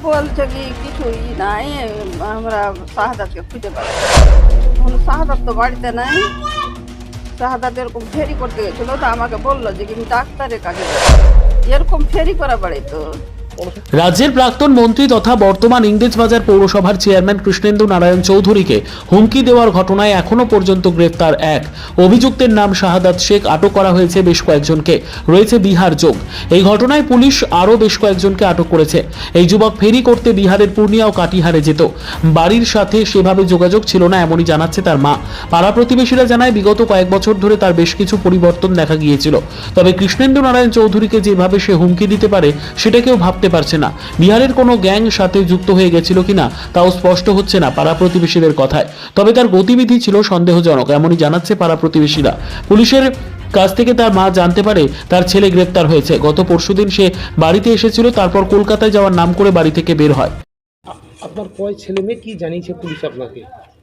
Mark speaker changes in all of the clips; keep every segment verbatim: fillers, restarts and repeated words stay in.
Speaker 1: বলছে কি কিছুই নাই, আমরা শাহাদাতকে খুঁজে পাচ্ছি না। শাহাদাত তো বাড়িতে নাই। শাহাদাত এরকম ফেরি করতে গেছিল, তো আমাকে বললো যে কি ডাক্তারের কাছে যাবো। এরকম ফেরি করা বাড়ি তো।
Speaker 2: রাজ্যের প্রাক্তন মন্ত্রী তথা বর্তমান ইংরেজবাজার পৌরসভার চেয়ারম্যান কৃষ্ণেন্দু নারায়ণ চৌধুরীকে হুমকি দেওয়ার ঘটনায় এখনো পর্যন্ত গ্রেফতার এক অভিযুক্তের নাম শাহাদাত শেখ। আটক করা হয়েছে বেশ কয়েকজনকে, রয়েছে বিহার যোগ। এই ঘটনায় পুলিশ আরও বেশ কয়েকজনকে আটক করেছে। এই যুবক ফেরি করতে বিহারের পূর্ণিয়া ও কাটিহারে যেত। বাড়ির সাথে সেভাবে যোগাযোগ ছিল না, এমনই জানাচ্ছে তার মা। পাড়া প্রতিবেশীরা জানায় বিগত কয়েক বছর ধরে তার বেশ কিছু পরিবর্তন দেখা গিয়েছিল। তবে কৃষ্ণেন্দু নারায়ণ চৌধুরীকে যেভাবে সে হুমকি দিতে পারে সেটা কেউ ভাবতে পারছে না। বিহারের কোনো গ্যাং সাথে যুক্ত হয়ে গেছিল কিনা তাও স্পষ্ট হচ্ছে না পাড়া প্রতিবেশীদের কথায়। তবে তার গতিবিধি ছিল সন্দেহজনক, এমনই জানাচ্ছে পাড়া প্রতিবেশীরা। পুলিশের কাছ থেকে তার মা জানতে পারে তার ছেলে গ্রেপ্তার হয়েছে। গত পরশুদিন সে বাড়িতে এসেছিল, তারপর কলকাতায় যাওয়ার নাম করে বাড়ি থেকে বের হয়।
Speaker 3: আপনার কয় ছেলে মেয়ে, কি জানিয়েছে পুলিশ আপনাকে?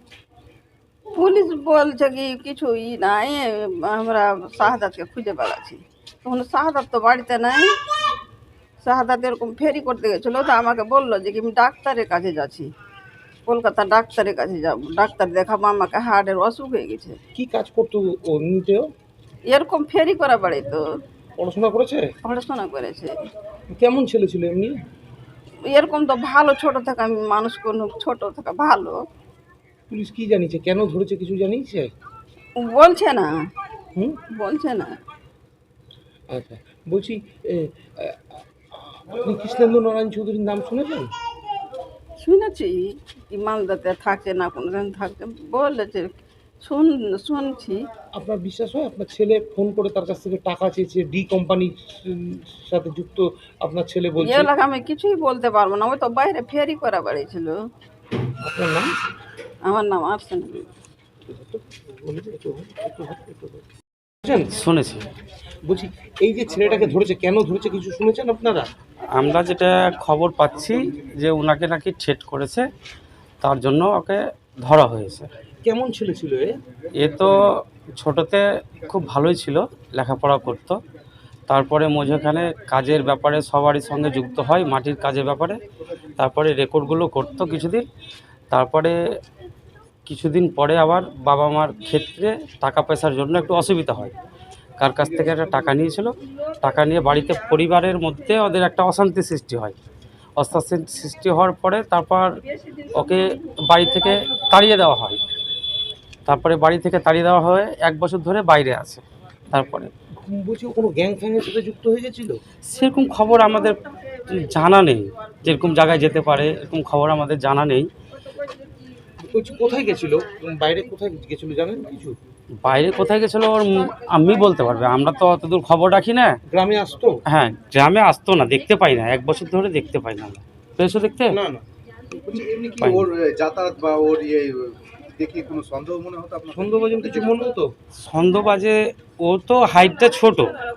Speaker 1: পুলিশ বলছে কি কিছুই নাই, আমরা শাহাদাতকে খুঁজে বেড়াচ্ছি। তখন শাহাদাত তো বাড়িতে নাই। শাহাদাত এরকম ফেরি করতে গেছিলো, তো আমাকে বললো যে কি আমি ডাক্তারের কাছে যাচ্ছি, কলকাতা ডাক্তারের কাছে যাবো, ডাক্তার দেখাবো, আমাকে হার্টের অসুখ হয়ে গেছে।
Speaker 3: কি কাজ করতো ও এমনিতেও?
Speaker 1: এরকম ফেরি করা বাড়ি তো।
Speaker 3: পড়াশোনা করেছে?
Speaker 1: পড়াশোনা করেছে।
Speaker 3: কেমন ছেলে ছিল এমনি?
Speaker 1: এরকম তো ভালো, ছোট থেকে আমি মানুষ কোনো ছোট থেকে ভালো।
Speaker 3: পুলিশ কি জানিয়েছে, কেন ধরেছে কিছু জানিয়েছে?
Speaker 1: বলছে না,
Speaker 3: হুম,
Speaker 1: বলছে না।
Speaker 3: আচ্ছা, বলছি এ, আ, আপনি কৃষ্ণেন্দু নারায়ণ চৌধুরীর নাম শুনেছেন?
Speaker 1: শুনেছি কি মালদাতে থাকে না, কোনোদিন থাকতে বলেছে, শুন শুনছি।
Speaker 3: আপনার বিশ্বাস হয় আপনার ছেলে ফোন করে তার কাছ থেকে টাকা চেয়েছে, ডি কোম্পানির সাথে যুক্ত আপনার ছেলে বলছে?
Speaker 1: এলাকা আমি কিছুই বলতে পারবো না, ওই তো বাইরে ফেরি করা বাড়িছিল।
Speaker 3: আপনার নাম?
Speaker 1: আমার নাম আর্সেন।
Speaker 4: শুনেছি।
Speaker 3: বলছি এই যে ছেলেটাকে ধরেছে, কেন ধরেছে কিছু শুনেছেন আপনারা?
Speaker 4: আমরা যেটা খবর পাচ্ছি যে ওনাকে নাকি ঠেট করেছে, তার জন্য ওকে ধরা হয়েছে।
Speaker 3: কেমন ছেলে ছিল এ?
Speaker 4: এ তো ছোটোতে খুব ভালোই ছিল, লেখাপড়া করত। তারপরে মধ্যখানে কাজের ব্যাপারে সবারই সঙ্গে যুক্ত হয়, মাটির কাজের ব্যাপারে। তারপরে রেকর্ডগুলো করতো কিছুদিন। তারপরে কিছুদিন পরে আবার বাবা মার ক্ষেত্রে টাকা পয়সার জন্য একটু অসুবিধা হয়। কার কাছ থেকে একটা টাকা নিয়েছিল, টাকা নিয়ে বাড়িতে পরিবারের মধ্যে ওদের একটা অশান্তি সৃষ্টি হয়। অশান্তি সৃষ্টি হওয়ার পরে তারপর ওকে বাড়ি থেকে তাড়িয়ে দেওয়া হয়। তারপরে বাড়ি থেকে তাড়িয়ে দেওয়া হয়, এক বছর ধরে বাইরে আছে। তারপরে
Speaker 3: বলছি কোনো গ্যাং ফ্যাংয়ের সাথে যুক্ত হয়ে গেছিল?
Speaker 4: সেরকম খবর আমাদের জানা নেই, যেরকম জায়গায় যেতে পারে এরকম খবর আমাদের জানা নেই।
Speaker 3: বলছি কোথায় গেছিল, বাইরে কোথায় গেছিল জানেন কিছু?
Speaker 4: বাইরে কোথায় গেছিলো ওর আমি বলতে পারবে, আমরা তো অতদূর খবর রাখি না।
Speaker 3: গ্রামে আসতো?
Speaker 4: হ্যাঁ, গ্রামে আসতো না, দেখতে পাই না, এক বছর ধরে দেখতে পাই না। পেয়েছো দেখতে?
Speaker 3: না না।
Speaker 5: বলছি এমনি কি ওর যাতায়াত বা ওর ইয়ে দেখে কোনো সন্দেহ মনে হতো আপনার?
Speaker 3: সন্দেহভাজন কিছু মনে হতো?
Speaker 4: সন্দেহবাজে ও তো হাইটটা ছোট,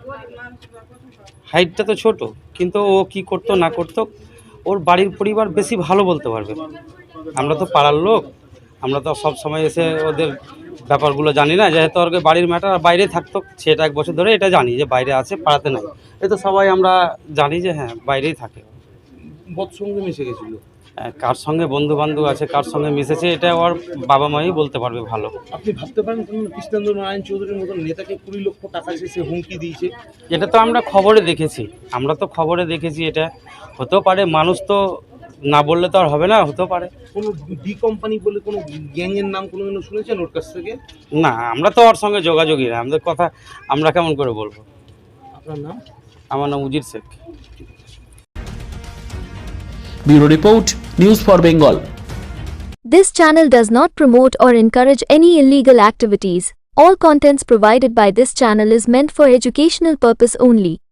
Speaker 4: হাইটটা তো ছোট, কিন্তু ও কি করতো না করতো ওর বাড়ির পরিবার বেশি ভালো বলতে পারবে। আমরা তো পাড়ার লোক, আমরা তো সব সময় এসে ওদের ব্যাপারগুলো জানি না। যেহেতু ওর বাড়ির ম্যাটার বাইরে থাকতো, সেটা এক বছর ধরে এটা জানি যে বাইরে আছে, পাড়াতে নাই। এ তো সবাই আমরা জানি যে হ্যাঁ বাইরেই থাকে।
Speaker 3: বদ সঙ্গে মিশে গেছিল?
Speaker 4: কার সঙ্গে বন্ধু বান্ধব আছে, কার সঙ্গে মিশেছে, এটা ওর বাবা মাই বলতে পারবে ভালো।
Speaker 3: আপনি ভাবতে পারেন কৃষ্ণেন্দু নারায়ণ চৌধুরীর মতন নেতাকে কুড়ি লক্ষ টাকা শেষে হুমকি দিয়েছে?
Speaker 4: এটা তো আমরা খবরে দেখেছি, আমরা তো খবরে দেখেছি। এটা হতেও পারে, মানুষ তো না বললে তো আর হবে না, হতেও পারে।
Speaker 3: কোনো ডি কোম্পানি বলে কোনো গ্যাংয়ের নাম কোনো দিনও শুনেছেন ওর কাছ থেকে?
Speaker 4: না, আমরা তো ওর সঙ্গে যোগাযোগই না, আমাদের কথা আমরা কেমন করে বলবো।
Speaker 3: আপনার নাম?
Speaker 4: আমার নাম Ujir Sheikh.
Speaker 2: Bureau report, news for Bengal.
Speaker 6: This channel does not promote or encourage any illegal activities. All contents provided by this channel is meant for educational purpose only.